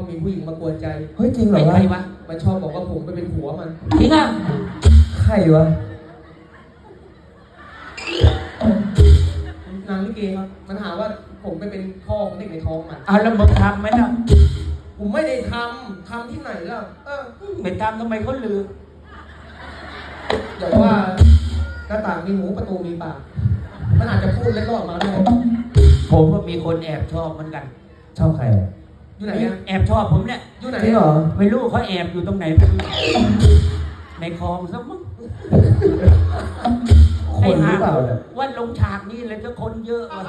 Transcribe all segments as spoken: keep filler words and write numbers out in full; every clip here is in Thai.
มีผู้หญิงมากวนใจเฮ้ยจริงเหรอวะใครวะมันชอบบอกว่าผมไปเป็นผัวมันจริงอ่ะใครวะนางลิเกครับมันหาว่าผมไปเป็นพ่อของเด็กในท้องมันเอาแล้วมึงทำไหมล่ะผมไม่ได้ทำทำที่ไหนล่ะเออไม่ทำทำไมเขาลือเดี๋ยวว่าหน้าต่างมีหูประตูมีปากมันอาจจะพูดเล่นๆออกมาได้ผมก็มีคนแอบชอบเหมือนกันชอบใครอะอยู่ไหนอะแอบชอบผมเนี่ยอยู่ไหนจริงเหรอไม่รู้เขาแอบอยู่ตรงไหนไม่รู้ในคลองซะมั้งคนหรือเปล่าเนี่ยว่าลงฉากนี้เลยก็คนเยอะว่ะ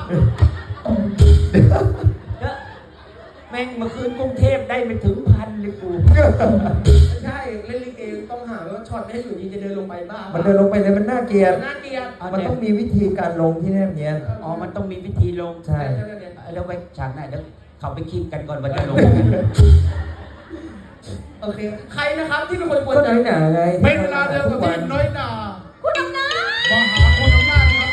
เยอะแม่งเมื่อคืนกรุงเทพได้ไปถึงพันเลยกูไม่ใช่เล่นลิเกต้องหาว่าช็อตไม่ให้อยู่ดีจะเดินลงไปบ้ามันเดินลงไปเลยมันน่าเกลียดน่าเกลียดมันต้องมีวิธีการลงที่แนบเนียนอ๋อมันต้องมีวิธีลงใช่แล้วไปฉากไหนแล้วเขาไปคิดกันก่อนว่าจะลงโอเคใครนะครับที่เป็นคนกวนก็ใจน้อยหนาไงเป็นเวลาเดิมกับที่น้อยหนาคุณอำนาจมาหาคนอำนาจครับ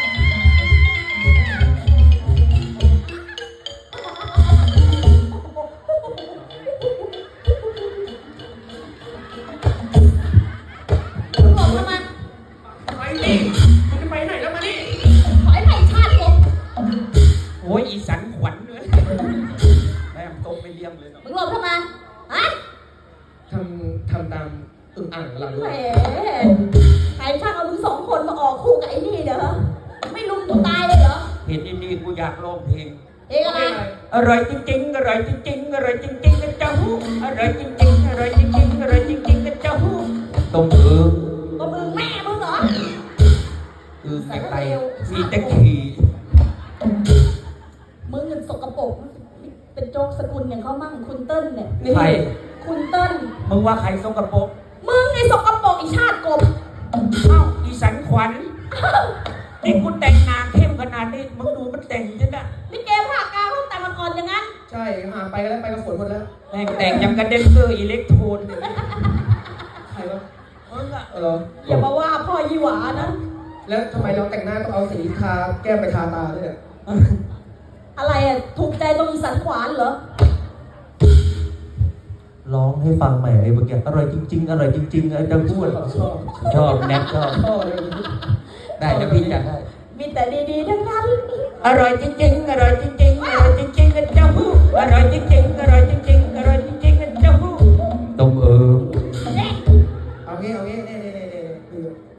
คุณบอกทำไมไปนี่คุณจะไปไหนแล้วมานี่ขอให้ไผ่ชาติผมโอ้ยอีสันขวัญเลยแม่งตกไปเลี้ยงเลยเนาะมึงหลบทำไมฮะทำทำตามอึ่งอ่างเราด้แหวมยใครช่างเอามึงสองคนมาออกคู่กับไอ้นี่เด้อไม่ลุมกูตายเลยเหรอเห็นอีนี่กูอยากร้องเพลงเองอะไรอร่อยจริงๆ อร่อยจริงๆ อร่อยจริงๆกระเจ้าหูอร่อยจริงๆ อร่อยจริงๆ อร่อยจริงๆกระเจ้าหูตรงเออก็มึงแม่มึงเหรอเออไม่ไปมีแต่ขี่มึงเงินสกปรกเป็นโจ๊กสกุลอย่างเขามั่งคุณเติ้ลเนี่ยใครคุณเติ้ลมึงว่าใครสกปรกมึงไอ้สกปรกไอ้ชาติกบเอ้าอีสันขวัญนี่กูแต่งหน้าเข้มขนาดนี้มึงดูมันแต่งใช่ไหมนี่เกมภาคกลางเขาแต่งมาก่อนอย่างนั้นใช่หาไปแล้วไปกับฝนหมดแล้วแม่งแต่งยังกระเด็นเซอร์อิเล็กโทรนเนี่ยใครวะมึงอะเอออย่ามาว่าพ่อยี่หวานะแล้วทำไมเราแต่งหน้าต้องเอาสีทาแก้มไปทาตาด้วยเนี่ยอะไรอ่ะถูกใจตรงอีสันขวานเหรอร้องให้ฟังใหม่ไอ้เมื่อกี้อร่อยจริงๆ อร่อยจริงๆไอ้จะพูดชอบชอบชอบแนทชอบชอบเลยได้จะพี่จัดให้มีแต่ดีๆทั้งนั้นอร่อยจริงๆ อร่อยจริงๆ อร่อยจริงๆกระเจ้าหูอร่อยจริงๆ อร่อยจริงๆ อร่อยจริงๆกระเจ้าหูตรงเออเนี่ยเอางี้เอางี้เน่เน่เน่เน่คือ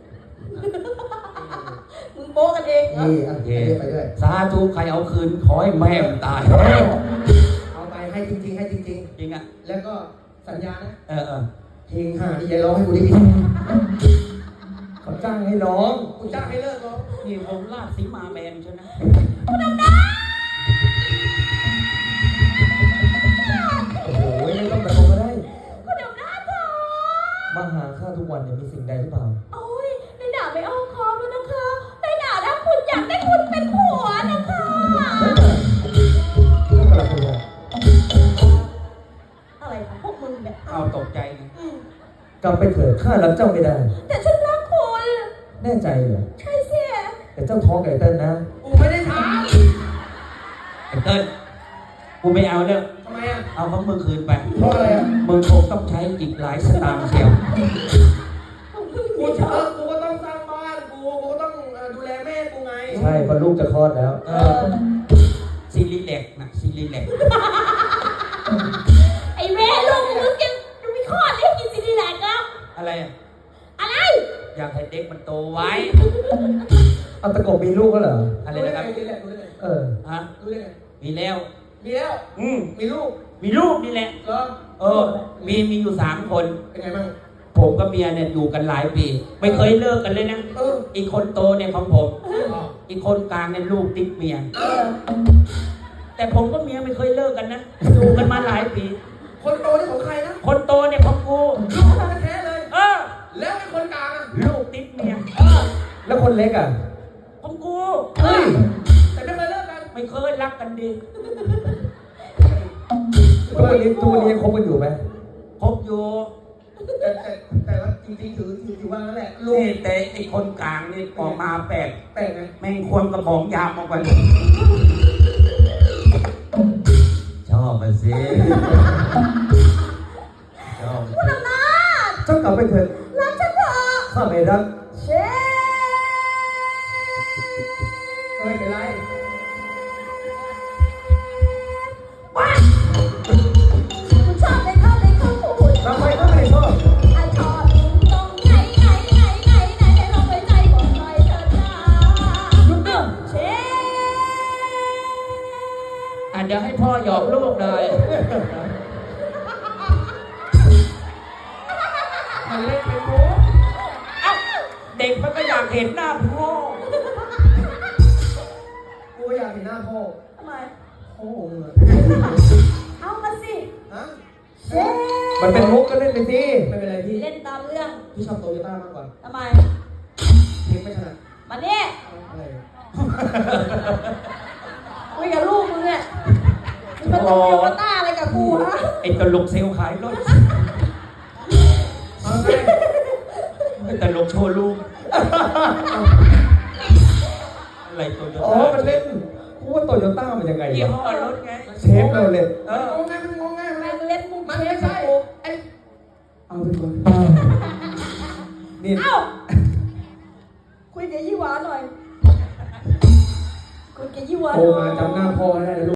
มึงโป๊กันเองเหรอนี่อ่ะไปด้วยไปด้วยสาธุใครเอาคืนขอให้แม่มตายเอาไปให้จริงๆให้จริงจริงอ่ะๆ แล้วก็สัญญานะเออเออเพลงห่าที่ยายร้องให้กูได้ยินเขาจ้างให้ร้องกูจ้างให้เลิกร้องนี่วงลาดสีมาแมนใช่ไหมโอ้โหไม่ต้องแบบก็ได้คุณอำนาจจ๋ามาหาข้าทุกวันเนี่ยมีสิ่งใดหรือเปล่าโอ้ยในด่าไม่อ้อมค้อมแล้วนะคะในด่าแล้วคุณอยากได้คุณเป็นผัวนะคะเรื่องอะไรกันเนี่ยอะไรของพวกมึงเนี่ยเอาตกใจไงอืมกลับไปเถิดข้ารับเจ้าไม่ได้แต่ฉันรักคุณแน่ใจเหรอใช่สิแต่เจ้าท้องไก่เต้นนะกูไม่ได้ทไอ้เติ้ลกูไม่เอาแล้วำทำไมอ่ะเอาของมึงคืนไปเพราะอะไรอ่ะมึงคงต้องใช้อีกหลายสตางค์เชียวกูเออกูก็ต้องสร้างบ้านกูกูก็ต้องเอ่อดูแลแม่กูไงใช่เพอลูกจะคลอดแล้วเออซีรีแลกนะซีรีแลกไอ้แม่ลูกมึงกินมีข้อเรียกกินซีดีแลกแล้วอะไรอะอะไรอยากให้เด็กมันโตไว้เอาตะกบมีลูกก็เหรออะไรรู้ได้นะคไงรับรู้ได้ไงรู้ได้ไงเออฮะรู้ได้ไงมีแล้วมีแล้วอืมมีลูกมีลูกนี่แหละเหรอเออ มีมีอยู่สามคนเป็นไงบ้างผมกับเมียเนี่ยอยู่กันหลายปี ไม่เคยเลิกกันเลยนะเอออีกคนโตเนี่ยของผมอ๋ออีกคนกลางเนี่ยลูกติดเมียเออแต่ผมกับเมียไม่เคยเลิกกันนะ อยู่กันมาหลายปีคนโตนี่ของใครนะคนโตเนี่ยของกูลูกแท้ๆเลยเออแล้วไอ้คนกลางอ่ะลูกติดเมียเออแล้วคนเล็กอ่ะของกูเฮ้ยแต่ไม่เคยเลิกกันไม่เคยรักกันดีทุกวันนี้ทุกวันนี้ยังคบกันอยู่ไหมคบอยู่แต่แต่แต่ว่าจริงๆถือถือถือว่านั่นแหละลูกนี่แต่ไอ้คนกลางนี่ออกมาแปลกแปลกไงแม่งควรกระบอกยาวมากกว่าชอบมาสิกลับไปเถิดรักฉันเถอะข้าไม่รักเชฟไม่เป็นไรว้าคุณชอบเลยเขาเลยเขาพูดทำไมก็ไม่ชอบไอชอบตรงไหนไหนไหนไหนไหนลองไปใจบอกหน่อยเถิดนะเชฟอ่ะเดี๋ยวให้พ่อหยอกลูกหน่อยมันเล่นไปโม้เอ้าเด็กมันก็อยากเห็นหน้าพ่อกูก็อยากเห็นหน้าพ่อทำไมพ่อองค์อะเอามาสิฮะเชฟมันเป็นมุกก็เล่นไปสิไม่เป็นไรพี่เล่นตามเรื่องพี่ชอบโตโยต้ามากกว่าทำไมเพลงไม่ถนัดมาเนี่ยอะไรคุยกับลูกมึงเนี่ยมึงเป็นตัวโยต้าอะไรกับกูฮะไอ้ตลกเซลล์ขายรถเอาไงไอ้ตลกโชว์ลูกอะไรตัวเดียวอ๋อ มันเล่นกูว่าโตโยต้ามันยังไงยี่วะห้อรถไงเชฟเราเลยเอมันองงไงมันงงไงแม่งเล่นมุกมันเชไม่ฟใช่กับกูไอ้เอาไปก่อนนี่เอ้าคุยกับยี่หวาหน่อยคุยกับยี่หวาหโทรน่อยมาจำหน้าพ่อให้ได้นะลูก